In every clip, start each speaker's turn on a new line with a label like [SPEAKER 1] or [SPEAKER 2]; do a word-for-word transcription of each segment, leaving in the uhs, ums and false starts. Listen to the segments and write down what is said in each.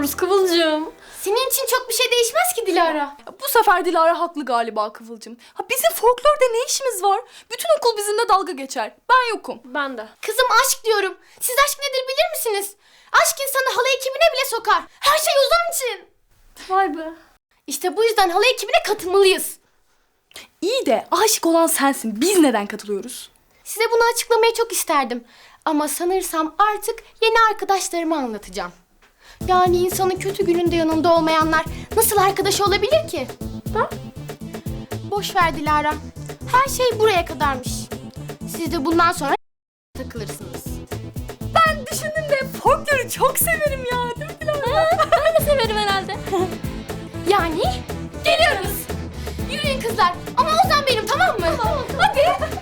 [SPEAKER 1] katılıyoruz Kıvılcım.
[SPEAKER 2] Senin için çok bir şey değişmez ki Dilara.
[SPEAKER 1] Bu sefer Dilara haklı galiba Kıvılcım. Ha, bizim folklorda ne işimiz var? Bütün okul bizimle dalga geçer. Ben yokum.
[SPEAKER 3] Ben de.
[SPEAKER 2] Kızım aşk diyorum. Siz aşk nedir bilir misiniz? Aşk insanı halay ekibine bile sokar. Her şey Ozan için.
[SPEAKER 3] Vay be.
[SPEAKER 2] İşte bu yüzden halay ekibine katılmalıyız.
[SPEAKER 1] İyi de aşık olan sensin. Biz neden katılıyoruz?
[SPEAKER 2] Size bunu açıklamayı çok isterdim. Ama sanırsam artık yeni arkadaşlarıma anlatacağım. Yani insanın kötü gününde yanında olmayanlar nasıl arkadaş olabilir ki? Ha? Boş ver Dilara. Her şey buraya kadarmış. Siz de bundan sonra takılırsınız.
[SPEAKER 1] Ben düşündüm de folkloru çok severim ya. Değil mi Dilara?
[SPEAKER 3] Ben de severim herhalde.
[SPEAKER 2] Yani geliyoruz. Yürüyün kızlar. Ama Ozan benim, tamam mı? Tamam. Hadi.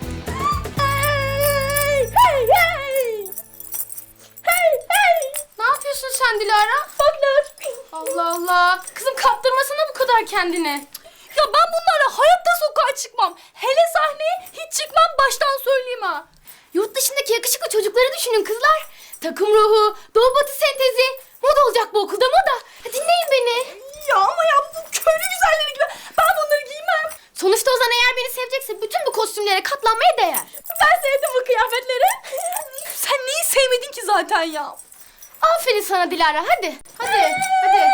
[SPEAKER 2] Hey, hey, hey. Hey, hey. Ne yapıyorsun sen Dilara? Folklor. Allah Allah. Kızım kaptırmasana bu kadar kendini.
[SPEAKER 1] Ya ben bunlarla hayatta sokağa çıkmam. Hele sahneye hiç çıkmam, baştan söyleyeyim ha.
[SPEAKER 2] Yurt dışındaki yakışıklı çocukları düşünün kızlar. Takım ruhu, doğu batı sentezi. Moda olacak bu okulda, moda. Dinleyin beni.
[SPEAKER 1] Ya ama ya bu köylü güzelleri gibi. Ben bunları giymem.
[SPEAKER 2] Sonuçta Ozan eğer beni sevecekse bütün bu kostümlere katlanmaya değer.
[SPEAKER 1] Ben sevdim bu kıyafetleri. Sen neyi sevmedin ki zaten ya?
[SPEAKER 2] Aferin sana Dilara, hadi. Hadi, hadi.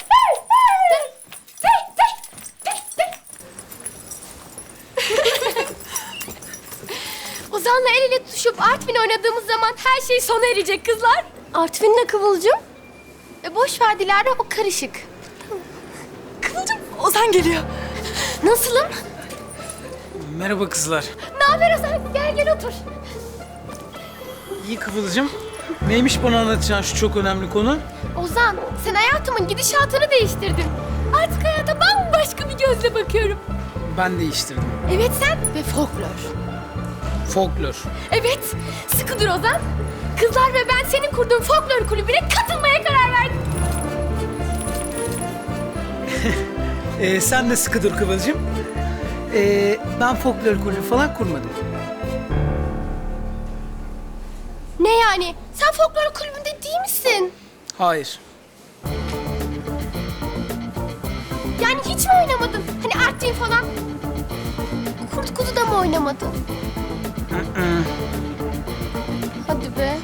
[SPEAKER 2] Ozan'la el ele tutuşup Artvin oynadığımız zaman her şey sona erecek kızlar.
[SPEAKER 3] Artvin ne Kıvılcım?
[SPEAKER 2] E boş ver Dilara, o karışık.
[SPEAKER 1] Kıvılcım, Ozan geliyor.
[SPEAKER 2] Nasılım?
[SPEAKER 4] Merhaba kızlar.
[SPEAKER 2] Ne haber Ozan? Gel gel otur.
[SPEAKER 4] İyi Kıvılcım. Neymiş bana anlatacağın şu çok önemli konu?
[SPEAKER 2] Ozan, sen hayatımın gidişatını değiştirdin. Artık hayata bambaşka bir gözle bakıyorum.
[SPEAKER 4] Ben değiştirdim.
[SPEAKER 2] Evet sen ve folklor.
[SPEAKER 4] Folklor.
[SPEAKER 2] Evet, sıkı dur Ozan. Kızlar ve ben senin kurduğun folklor kulübüne katılmaya karar verdik.
[SPEAKER 4] Ee, sen de sıkı dur Kıvılcım. Ee, ben folklor kulübü falan kurmadım.
[SPEAKER 2] Ne yani? Sen folklor kulübünde değil misin?
[SPEAKER 4] Hayır.
[SPEAKER 2] Yani hiç mi oynamadın? Hani Artvin falan? Kurt kuzu da mı oynamadın?
[SPEAKER 4] Hı hı.
[SPEAKER 2] Hadi be.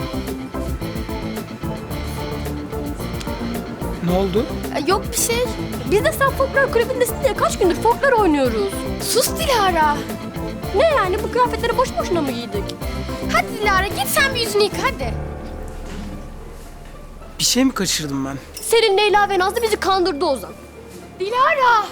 [SPEAKER 4] Ne oldu?
[SPEAKER 2] E, Yok bir şey.
[SPEAKER 3] Biz de sen folklor kulübündesin diye kaç gündür folklor oynuyoruz.
[SPEAKER 2] Sus Dilara.
[SPEAKER 3] Ne yani bu kıyafetleri boş boşuna mı giydik?
[SPEAKER 2] Hadi Dilara git sen bir yüzünü yıka hadi.
[SPEAKER 4] Bir şey mi kaçırdım ben?
[SPEAKER 3] Selin, Leyla ve Nazlı bizi kandırdı Ozan.
[SPEAKER 2] Dilara.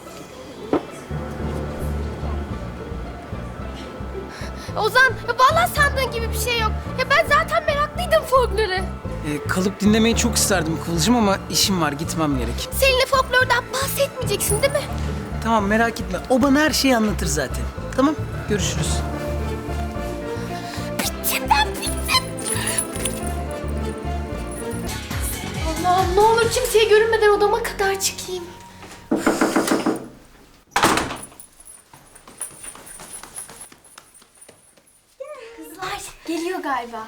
[SPEAKER 2] Ozan, vallahi sandığın gibi bir şey yok. Ya ben zaten meraklıydım folklore.
[SPEAKER 4] Ee, kalıp dinlemeyi çok isterdim Kıvılcım ama işim var, gitmem gerek.
[SPEAKER 2] Seninle folklordan bahsetmeyeceksin değil mi?
[SPEAKER 4] Tamam, merak etme. O bana her şeyi anlatır zaten. Tamam, görüşürüz.
[SPEAKER 2] Bittim ben, bittim. Allah'ım ne olur kimseye görünmeden odama kadar çıkayım. Kızlar geliyor galiba.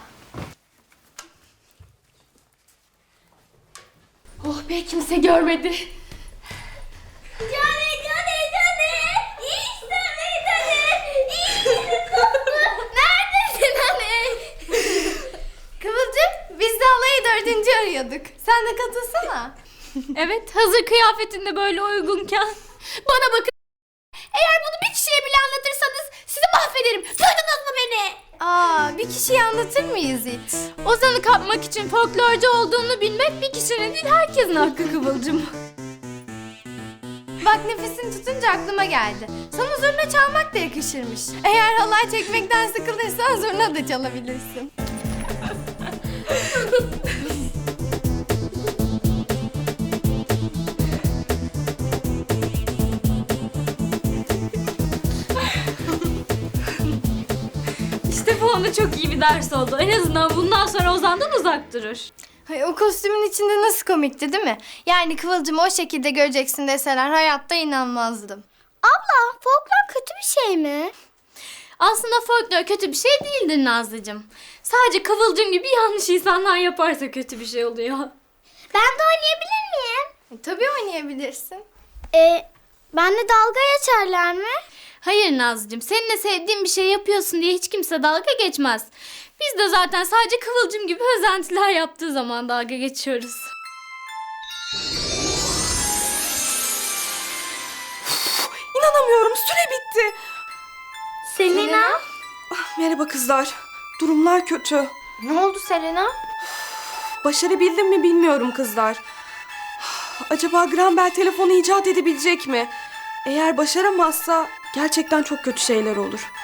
[SPEAKER 2] Oh be, kimse görmedi. Cane, cane, cane. İşte bir tane. İşte koptu. Neredesin hani? Kıvılcım, biz de halayı dördüncü arıyorduk. Sen de katılsana.
[SPEAKER 3] Evet, hazır kıyafetinde böyle uygunken.
[SPEAKER 2] Bana bakın. Eğer bunu bir kişiye bile anlatırsanız sizi mahvederim. Duydunuz mu beni?
[SPEAKER 3] Aa, bir kişiye anlatır mıyız hiç? Ozan'ı kapmak için folklorcu olduğunu bilmek bir kişinin değil herkesin hakkı Kıvılcım.
[SPEAKER 5] Bak nefesini tutunca aklıma geldi. Sana zurna çalmak da yakışırmış. Eğer halay çekmekten sıkılırsan zurna da çalabilirsin.
[SPEAKER 3] İşte bu ona çok iyi bir ders oldu. En azından bundan sonra Ozan'dan uzak durur.
[SPEAKER 5] Ay, o kostümün içinde nasıl komikti değil mi? Yani Kıvılcım'ı o şekilde göreceksin deseler hayatta inanmazdım.
[SPEAKER 2] Abla, folklor kötü bir şey mi?
[SPEAKER 3] Aslında folklor kötü bir şey değildir Nazlıcığım. Sadece Kıvılcım gibi yanlış insanlar yaparsa kötü bir şey oluyor.
[SPEAKER 2] Ben de oynayabilir
[SPEAKER 5] Tabii oynayabilirsin.
[SPEAKER 3] E, benle dalga geçerler mi? Hayır Nazlıcığım, seninle sevdiğin bir şey yapıyorsun diye hiç kimse dalga geçmez. Biz de zaten sadece Kıvılcım gibi özentiler yaptığı zaman dalga geçiyoruz.
[SPEAKER 6] İnanamıyorum, süre bitti.
[SPEAKER 3] Selena?
[SPEAKER 6] Merhaba kızlar. Durumlar kötü.
[SPEAKER 2] Ne oldu Selena?
[SPEAKER 6] Başarabildim mi bilmiyorum kızlar. Acaba Graham Bell telefonu icat edebilecek mi? Eğer başaramazsa gerçekten çok kötü şeyler olur.